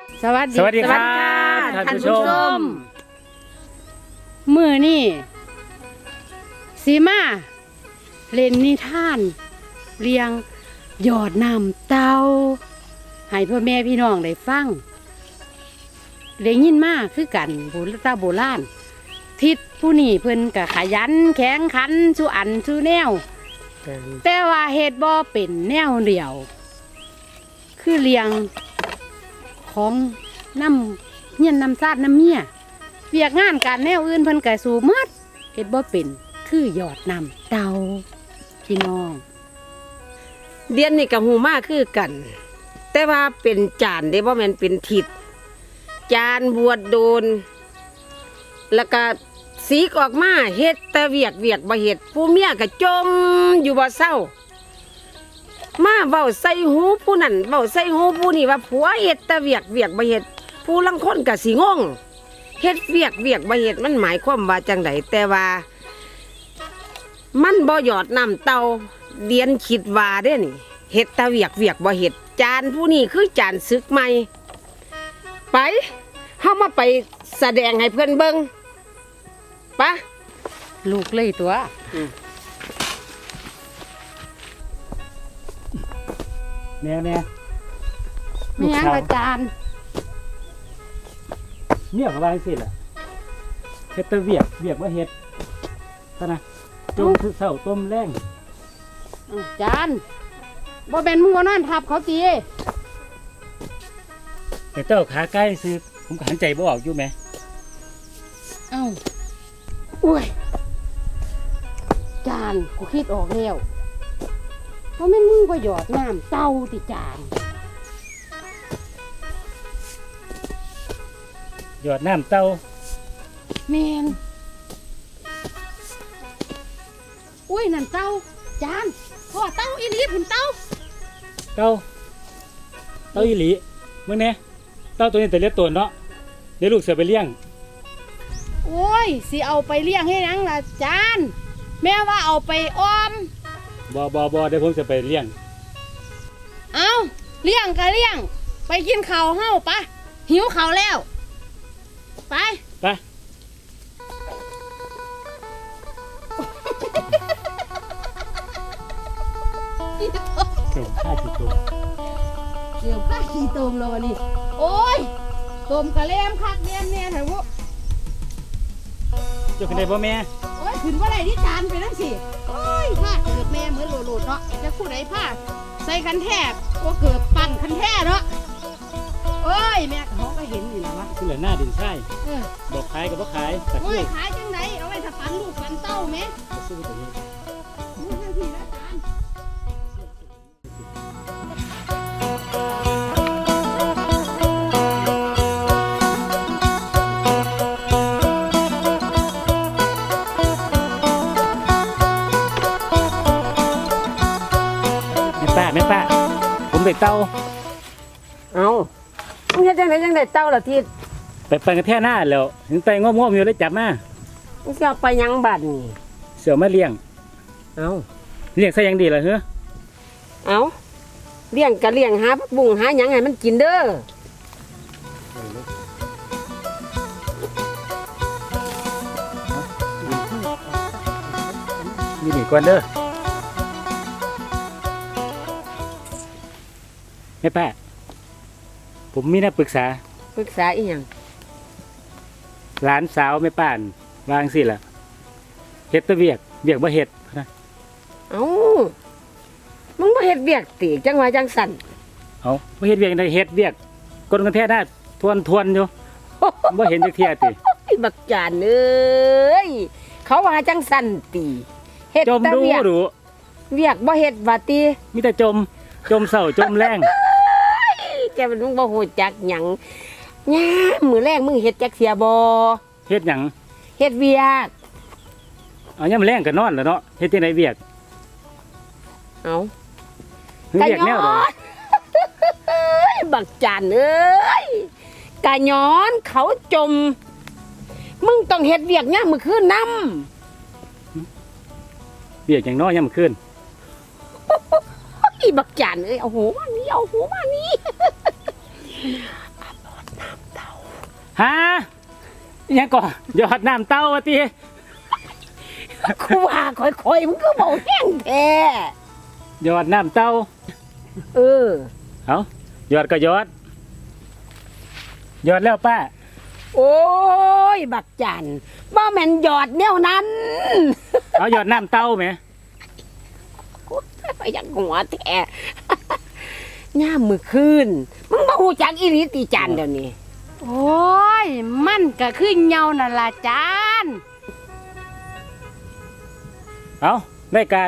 สวัสดีครับท่านผู้ชมมื้อนี้สีมาเล่นนิทานเรียงยอดน้ำเตาให้พ่อแม่พี่น้องได้ฟังได้ยินมาคือกันโบราณทิศผู้นี้เพิ่นก็ขยันแข็งขันสู้อันสู้แนวแต่ว่าเฮ็ดบ่เป็นแนวเดียวคือเรียงของน้ำเฮียนน้ำซาดน้ำเมียเวียกงานการแนวอื่นเพิ่นก็สู้หมดเฮ็ดบ่เป็นคือยอดน้ำเตาพี่น้องเดียนนี่กับหูมากคือกัน แต่ว่าเป็นจานเด้บ่แม่นเป็นทิศจานบวชโดน แล้วก็สีกออกมาเฮ็ดแต่เวียกบ่เฮ็ดผู้เมียก็จมอยู่บ่เศร้ามาเว้าใส่หูผู้นั้นเว้าใส่หูผู้นี้ว่าผัวเฮ็ดแต่เวียกบ่เฮ็ดผู้ลังคนก็สิงงเฮ็ดเวียกบ่เฮ็ดมันหมายความว่าจังไดแต่ว่ามันบ่หยอดน้ำเตาเดียนคิดว่าเด้นี่เฮ็ดแต่เวียกบ่เฮ็ดจานผู้นี้คือจานศึกใหม่ไปเฮามาไปแสดงให้เพิ่นเบิ่งปะลูกเลยตัวแน่มีหยังอาจารย์เนี่ยเขาว่าสิล่ะเฮ็ดแต่เวียกว่าเฮ็ดซะนะจมคือเศร้าต้มแรงอาจารย์บ่เป็นมึงบ่นอนทับเขาติแต่เจ้าขาใกล้ซื้อผมก็หันใจบ่ออกอยู่ไหมเอ้าอุ้ยจานกูคิดออกแล้วเพราะแม่นมึงบ่หยอดน้ำเตาติจานหยอดน้ำเต้าแม่นอุ้ยนั่นเตาจานพ่อเตาอีหลีพุ่นเตาเต้าอีหลีมึงแน่เต้าตัวนี้แต่เล็กตัวเนาะเดี๋ยวลูกเสือไปเลี้ยงโอ้ยสิเอาไปเลี้ยงให้หยังล่ะจานแม่ว่าเอาไปออมบ่เดี๋ยวผมจะไปเลี้ยงเอาเลี้ยงก็เลี้ยงไปกินข้าวเฮาปะหิวข้าวแล้วไปไปเก่งข้าสิตัวเดี๋ยวข้าขี่ตมแล้ววันนี้โอ้ยตมกะแลมคักแลมแน่เถอะวุเจ้าขึ้นได้บ่แม่โอ้ยขึ้นว่าไรที่จานไปนั่นสิโอ้ยผ้าเกิดแม่เหมือนโหลดเนาะจะคู่ไหนผ้าใส่กันแทบก็เกิดปั่นคันแท้เนาะโอ้ยแม่เขาก็เห็นอยู่นะวะขึ้นเหลือหน้าดินใช่เออบอกขายกับบ่ขายแต่โอ้คืยอขายจังไหนเอาไว้ถ้าปันลูกปันเต้าแม่สู้ตัวนี้มึงทันทีนะจานแม่ป้าผมได้เต้าเอามึงเฮ็ดจังไดเต้าล่ะทิศไปปั่นกันแท่หน้าแล้วถึงไตง่วงๆอยู่เลยจับมามึงสิเอาไปหยังบัดนี่เสือมาเลี้ยงเอาเลี้ยงซะยังดีเหรอเฮ้อเอาเลี้ยงก็เลี้ยงหาผักบุ้งหาหยังให้มันกินเด้อนี่นี่ก่อนเด้อแม่ป้าผมมีนักปรึกษาปรึกษาอีหยังหลานสาวแม่ป้านวาจั่งสิล่ะเฮ็ดแตะเวียกบ่เฮ็ดนะเอามึงบ่เฮ็ดเวียกติจังว่าจังสั่นเอาบ่เฮ็ดเวียกได้เฮ็ดเวียกกดกันแท่หน้าทวนอยู่บ่เห็นจักเที่ยติไอ้บักจานเอ้ยเขาว่าจังสั่นติเฮ็ดจมแต่ดูเวียกดูเวียกบ่เฮ็ดว่าติมีแต่จมเศร้าจมแรงแกมันมึงบ่ฮู้จักหยังยามมื้อแรกมึงเฮ็ดจักเสียบ่เฮ็ดหยังเฮ็ดเวียกเอายามแรงก็นอนแล้วเนาะเฮ็ดจังไดเวียกเอาเวียกแนวใดเอ้ยบักจานเอ้ยกะย้อนเขาจม มึงต้องเฮ็ดเวียกยามมื้อคืนนำเวียกอย่างน้อยยามมื้อคืนอีบักจานเอ้ยเอาหูมานี่เอาหูมานี่ฮะอิหยังก่อนหยอดน้ำเต้าว่าติกูว่าค่อยๆมึงก็บอกแห้งแท้หยอดน้ำเต้าเออเอาหยอดก็หยอดหยอดแล้วป้าโอ้ยบักจันบ่แม่นหยอดแนวนั้นเอาหยอดน้ำเต้าไหมกูไปอยังหัวแท้ ย่ามมือคืนมึงบ่ฮู้จักอีหลีติจันเดี๋ยวนี้โอ้ย มันก็คือเหงานั่นล่ะจานเอาได้การ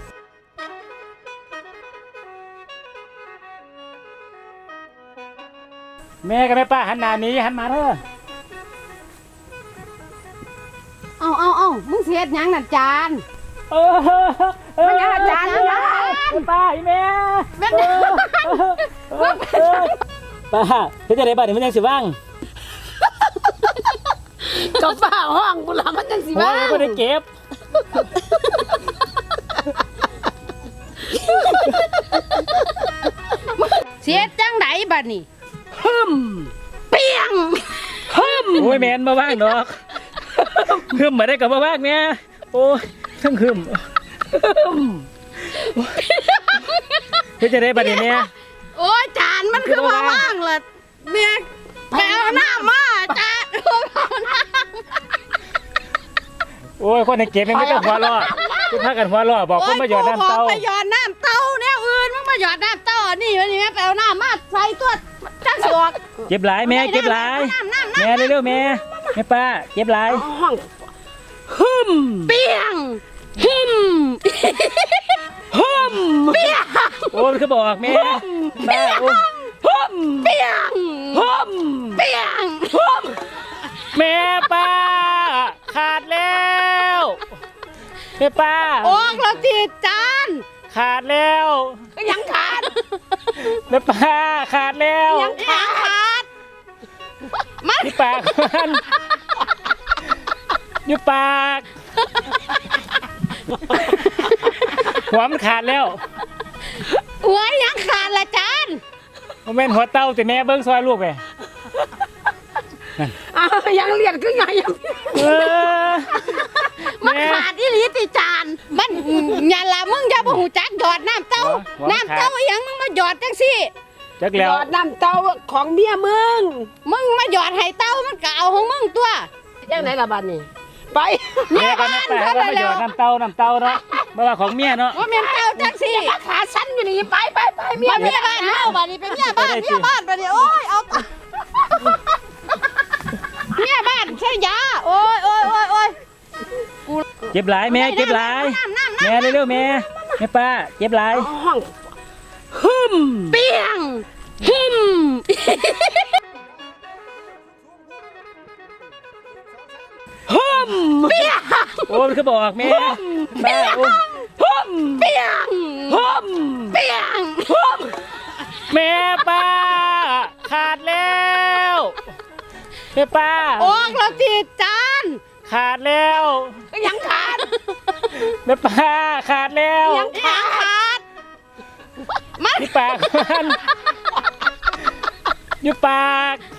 แม่กับแม่ป้าหันหน้าหนี้หันมาเถอะเอามึงเสียดหยังน่ะจานมันยังอาจารย์นะป้าอีแม่ป้าเฮ็ดจังได๋บัดนี้มันยังสิว่างกับฝ้าห้องกูละมันจังสิโอ้ว่ายบ่ได้เก็บเสียดจังไดบัดนี้เปียงโอ้ยแม่นบ่ว่างดอกหึมมาได้ก็บ่ว่างแม่โอ้ยทั้งหึมเฮ็ดจังได๋บัดนี้แม่โอ้ยจานมันคือว่าว่างล่ะแม่ไปเอาน้ำมาจานเอาน้โอ้ยคนในเก็บแม่งไม่ต้องหัวเราะคือพากันหัวเราะบอกำคนมาหยอดน้ำเต้าไปหยอดน้ำเต้าแนวอื่นมึงมาหยอดน้ำเต้าอันนี่วันนี้แม่ไปเอาน้ำมาใส่ตัวจังสิออกเก็บหลายแม่เก็บหลายแม่เร็วๆแม่แม่ป้าเก็บหลายห้องเปียงหิมโอ้ยมันคือบอกแม่ป้าโอ้ยเปียงเปียงแม่ป้าขาดแล้วแม่ป้าออกแล้วจีจานขาดแล้วก็ยังขาดแม่ป้าขาดแล้วยังขาดมันที่ปากมันอยู่ปากหัวมันขาดแล้วหัวยังขาดละจานมันเป็นหัวเต้าแต่แม่เบิ้งซอยลูกไปอ้าวยังเลียดขึ้นไงยังเออมันแม่ขาดอีหลีติจานมันอย่าละมึงอย่าบ่หูจักหยอดน้ำเต้าหัวมันขาดน้ำเต้าอหยังมึงมาหยอดจังสิจักหแล้ยว อดน้ำเต้าของเมียมึงมึงมาหยอดให้เต้ามันก็เอาของมึงตัวยังไหนละบัดนี้ไปแม่ก็แม่ป้าก็มาหยอดน้ำเต้าเนาะบ่ว่าของเมียเนาะว่าแม่นเต้าจังสิขาสั้นอยู่นี่ไปเมียมาเมียบ้านเฮาบัดนี้เป็นเมียบ้านเมียบ้านบัดนี้โอ้ยเอาเมียบ้านใช่ยาโอ้ยเก็บหลายแม่เก็บหลายแม่เร็วๆแม่แม่ป้าเก็บหลายห้องเปียงหิมโอ้ยมันคือบอกแม่ป้าโอ้ยเปียงเปียงแม่ป้าขาดแล้วแม่ป้าออกแล้วจีจานขาดแล้วก็ยังขาดแม่ป้าขาดแล้วยังขาดมันที่ปากมันอยู่ปาก